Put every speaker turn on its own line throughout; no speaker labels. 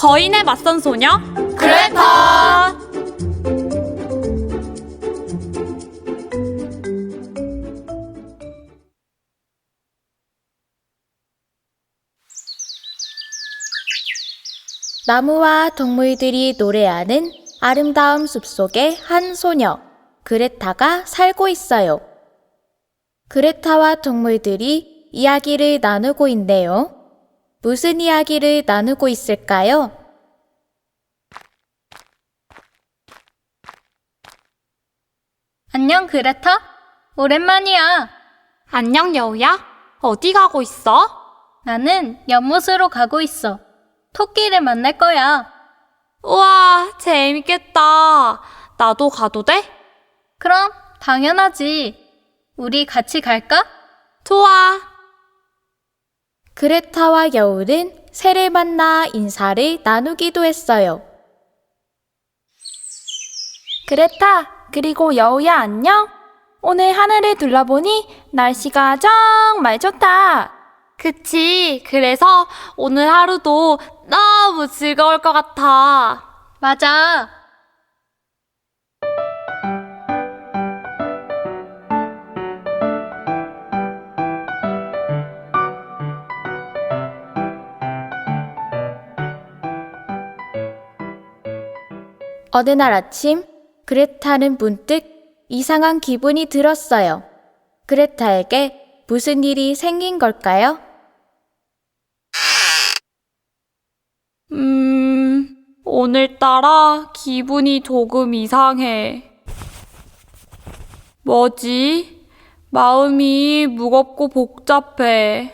거인에 맞선 소녀
그레타!
나무와 동물들이 노래하는 아름다운 숲속에 한 소녀, 그레타가 살고 있어요. 그레타와 동물들이 이야기를 나누고 있네요. 무슨 이야기를 나누고 있을까요?
안녕, 그레타? 오랜만이야.
안녕 여우야. 어디 가고 있어?
나는 연못으로 가고 있어. 토끼를 만날 거야.
우와, 재밌겠다. 나도 가도 돼?
그럼 당연하지. 우리 같이 갈까?
좋아.
그레타와 여우는 새를 만나 인사를 나누기도 했어요.
그레타, 그리고 여우야 안녕? 오늘 하늘을 둘러보니 날씨가 정말 좋다.
그치. 그래서 오늘 하루도 너무 즐거울 것 같아.
맞아.
어느 날 아침, 그레타는 문득 이상한 기분이 들었어요. 그레타에게 무슨 일이 생긴 걸까요?
오늘따라 기분이 조금 이상해. 뭐지? 마음이 무겁고 복잡해.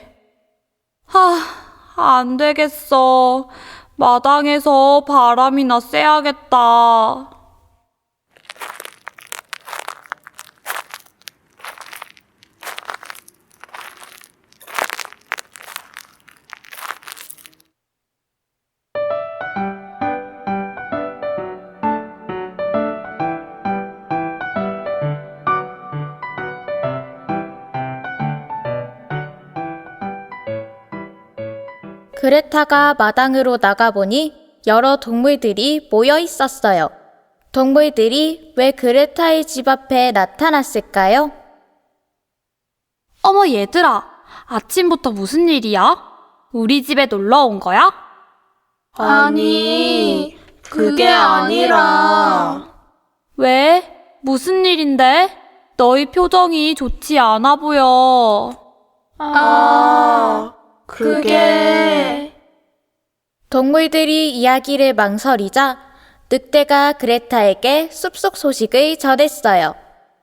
안 되겠어. 마당에서 바람이나 쐬야겠다.
그레타가 마당으로 나가보니 여러 동물들이 모여 있었어요. 동물들이 왜 그레타의 집 앞에 나타났을까요?
어머 얘들아, 아침부터 무슨 일이야? 우리 집에 놀러 온 거야?
아니, 그게 아니라.
왜? 무슨 일인데? 너희 표정이 좋지 않아 보여.
그게.
동물들이 이야기를 망설이자 늑대가 그레타에게 숲속 소식을 전했어요.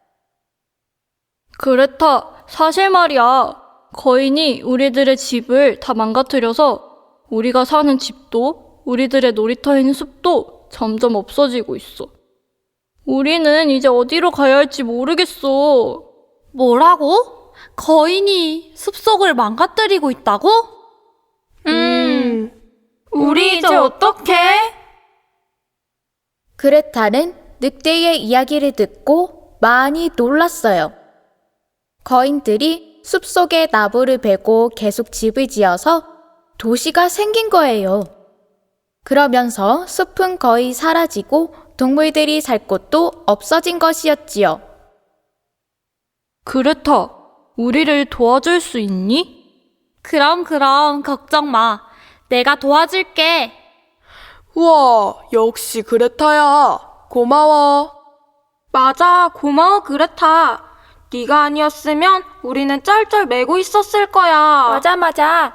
그레타, 사실 말이야. 거인이 우리들의 집을 다 망가뜨려서 우리가 사는 집도 우리들의 놀이터에 있는 숲도 점점 없어지고 있어. 우리는 이제 어디로 가야 할지 모르겠어.
뭐라고? 거인이 숲속을 망가뜨리고 있다고?
우리 이제 어떡해?
그레타는 늑대의 이야기를 듣고 많이 놀랐어요. 거인들이 숲속에 나무를 베고 계속 집을 지어서 도시가 생긴 거예요. 그러면서 숲은 거의 사라지고 동물들이 살 곳도 없어진 것이었지요.
그레타, 우리를 도와줄 수 있니?
그럼 걱정 마. 내가 도와줄게.
우와, 역시 그레타야. 고마워. 맞아, 고마워 그레타. 네가 아니었으면 우리는 쩔쩔매고 있었을 거야. 맞아.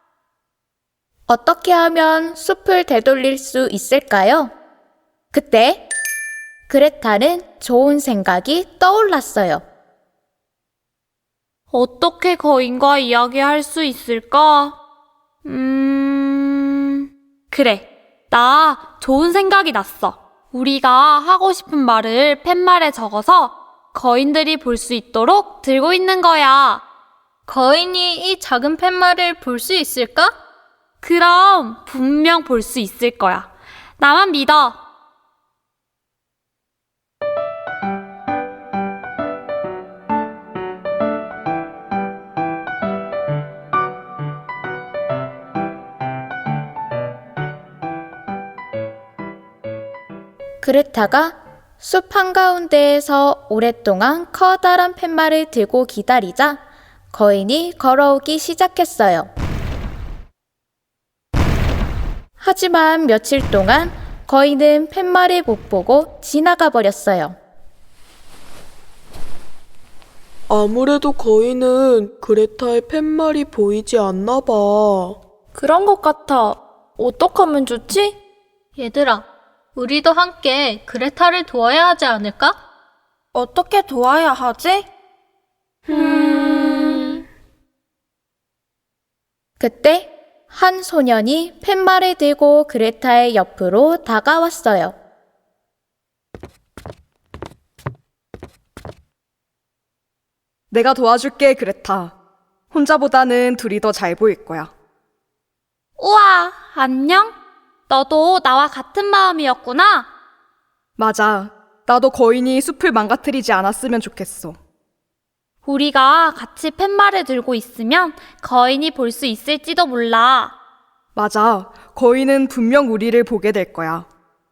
어떻게 하면 숲을 되돌릴 수 있을까요? 그때 그레타는 좋은 생각이 떠올랐어요.
어떻게 거인과 이야기할 수 있을까? 그래. 나 좋은 생각이 났어. 우리가 하고 싶은 말을 팻말에 적어서 거인들이 볼 수 있도록 들고 있는 거야.
거인이 이 작은 팻말을 볼 수 있을까?
그럼 분명 볼 수 있을 거야. 나만 믿어.
그레타가 숲 한가운데에서 오랫동안 커다란 팻말을 들고 기다리자 거인이 걸어오기 시작했어요. 하지만 며칠 동안 거인은 팻말을 못 보고 지나가 버렸어요.
아무래도 거인은 그레타의 팻말이 보이지 않나 봐.
그런 것 같아. 어떡하면 좋지?
얘들아, 우리도 함께 그레타를 도와야 하지 않을까?
어떻게 도와야 하지?
그때 한 소년이 팻말을 들고 그레타의 옆으로 다가왔어요.
내가 도와줄게, 그레타. 혼자보다는 둘이 더 잘 보일 거야.
우와, 안녕? 너도 나와 같은 마음이었구나?
맞아. 나도 거인이 숲을 망가뜨리지 않았으면 좋겠어.
우리가 같이 팻말을 들고 있으면 거인이 볼 수 있을지도 몰라.
맞아. 거인은 분명 우리를 보게 될 거야.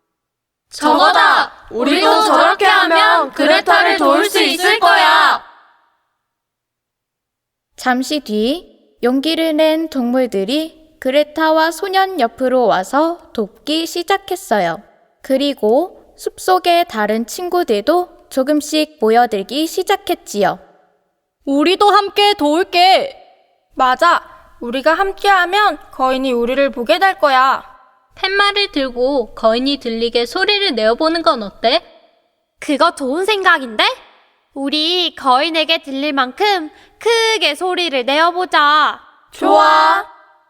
저거다! 우리도 저렇게 하면 그레타를 도울 수 있을 거야!
잠시 뒤 용기를 낸 동물들이 그레타와 소년 옆으로 와서 돕기 시작했어요. 그리고 숲속의 다른 친구들도 조금씩 모여들기 시작했지요.
우리도 함께 도울게.
맞아. 우리가 함께하면 거인이 우리를 보게 될 거야.
팻말을 들고 거인이 들리게 소리를 내어보는 건 어때?
그거 좋은 생각인데? 우리 거인에게 들릴 만큼 크게 소리를 내어보자.
좋아.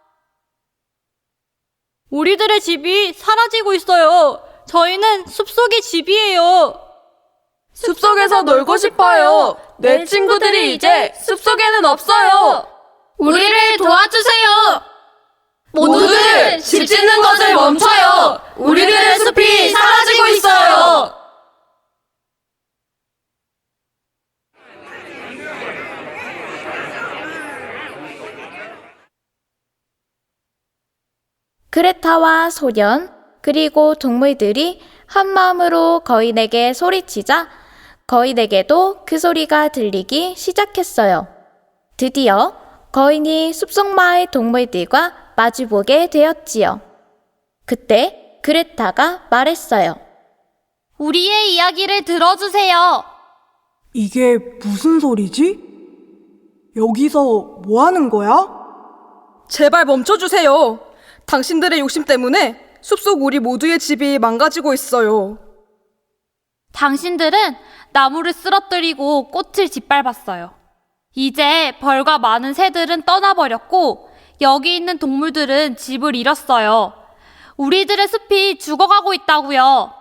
우리들의 집이 사라지고 있어요. 저희는 숲속의 집이에요.
숲속에서 놀고 싶어요. 내 친구들이 이제 숲속에는 없어요.
우리를 도와주세요!
모두들 집 짓는 것을 멈춰요. 우리들의 숲이 사라지고 있어요.
그레타와 소년 그리고 동물들이 한마음으로 거인에게 소리치자 거인에게도 그 소리가 들리기 시작했어요. 드디어 거인이 숲속 마을 동물들과 마주보게 되었지요. 그때 그레타가 말했어요.
우리의 이야기를 들어주세요.
이게 무슨 소리지? 여기서 뭐 하는 거야?
제발 멈춰주세요. 당신들의 욕심 때문에 숲속 우리 모두의 집이 망가지고 있어요.
당신들은 나무를 쓰러뜨리고 꽃을 짓밟았어요. 이제 벌과 많은 새들은 떠나버렸고 여기 있는 동물들은 집을 잃었어요. 우리들의 숲이 죽어가고 있다고요.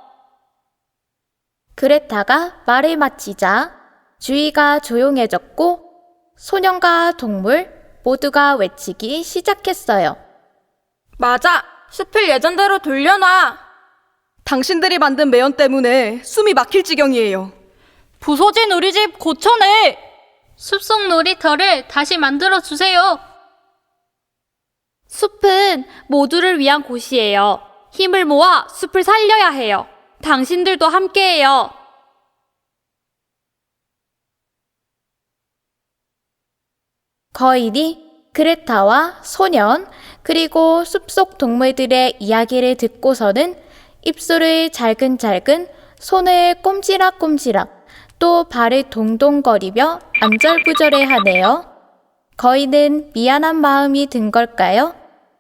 그레타가 말을 마치자 주위가 조용해졌고 소년과 동물 모두가 외치기 시작했어요.
맞아. 숲을 예전대로 돌려놔.
당신들이 만든 매연 때문에 숨이 막힐 지경이에요.
부서진 우리 집 고쳐내.
숲속 놀이터를 다시 만들어주세요.
숲은 모두를 위한 곳이에요. 힘을 모아 숲을 살려야 해요. 당신들도 함께해요.
거인이 그레타와 소년 그리고 숲속 동물들의 이야기를 듣고서는 입술을 잘근잘근 손을 꼼지락꼼지락 또 발을 동동거리며 안절부절해하네요. 거인은 미안한 마음이 든 걸까요?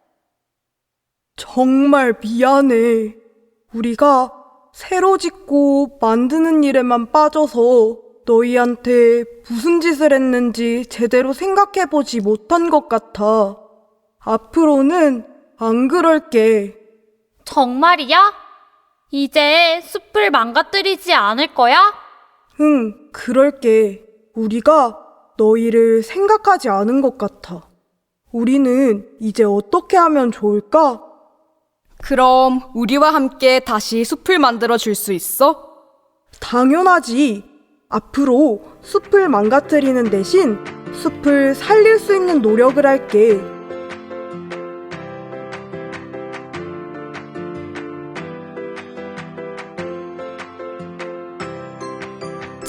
정말 미안해. 우리가 새로 짓고 만드는 일에만 빠져서 너희한테 무슨 짓을 했는지 제대로 생각해보지 못한 것 같아. 앞으로는 안 그럴게.
정말이야? 이제 숲을 망가뜨리지 않을 거야?
응, 그럴게. 우리가 너희를 생각하지 않은 것 같아. 우리는 이제 어떻게 하면 좋을까?
그럼 우리와 함께 다시 숲을 만들어 줄 수 있어?
당연하지. 앞으로 숲을 망가뜨리는 대신 숲을 살릴 수 있는 노력을 할게.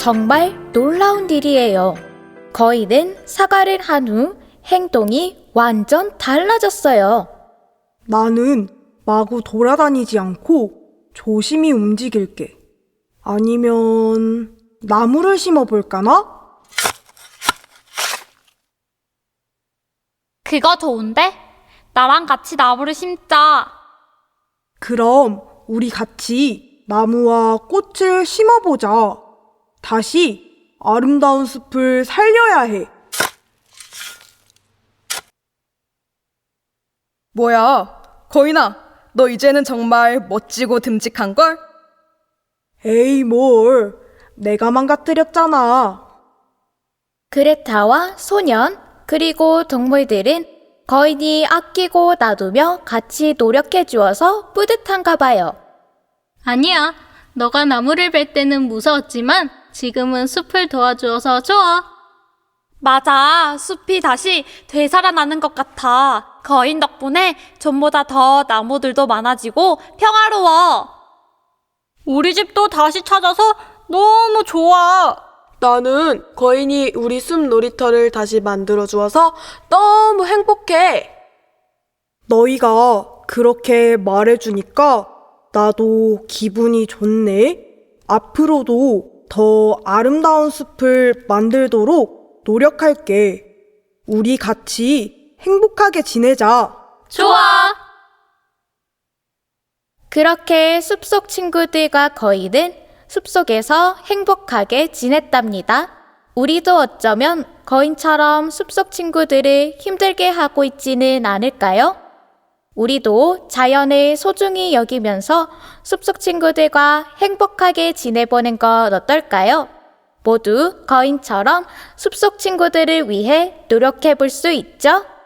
정말 놀라운 일이에요. 거인은 사과를 한 후 행동이 완전 달라졌어요.
나는 마구 돌아다니지 않고 조심히 움직일게. 아니면 나무를 심어볼까나?
그거 좋은데? 나랑 같이 나무를 심자.
그럼 우리 같이 나무와 꽃을 심어보자. 다시 아름다운 숲을 살려야 해.
뭐야, 거인아, 너 이제는 정말 멋지고 듬직한걸?
에이, 뭘. 내가 망가뜨렸잖아.
그레타와 소년, 그리고 동물들은 거인이 아끼고 놔두며 같이 노력해 주어서 뿌듯한가 봐요.
아니야. 너가 나무를 벨 때는 무서웠지만 지금은 숲을 도와주어서 좋아.
맞아. 숲이 다시 되살아나는 것 같아. 거인 덕분에 전보다 더 나무들도 많아지고 평화로워.
우리 집도 다시 찾아서 너무 좋아.
나는 거인이 우리 숲 놀이터를 다시 만들어 주어서 너무 행복해.
너희가 그렇게 말해주니까 나도 기분이 좋네. 앞으로도 더 아름다운 숲을 만들도록 노력할게. 우리 같이 행복하게 지내자.
좋아.
그렇게 숲속 친구들과 거인은 숲속에서 행복하게 지냈답니다. 우리도 어쩌면 거인처럼 숲속 친구들을 힘들게 하고 있지는 않을까요? 우리도 자연을 소중히 여기면서 숲속 친구들과 행복하게 지내보는 것 어떨까요? 모두 거인처럼 숲속 친구들을 위해 노력해 볼 수 있죠?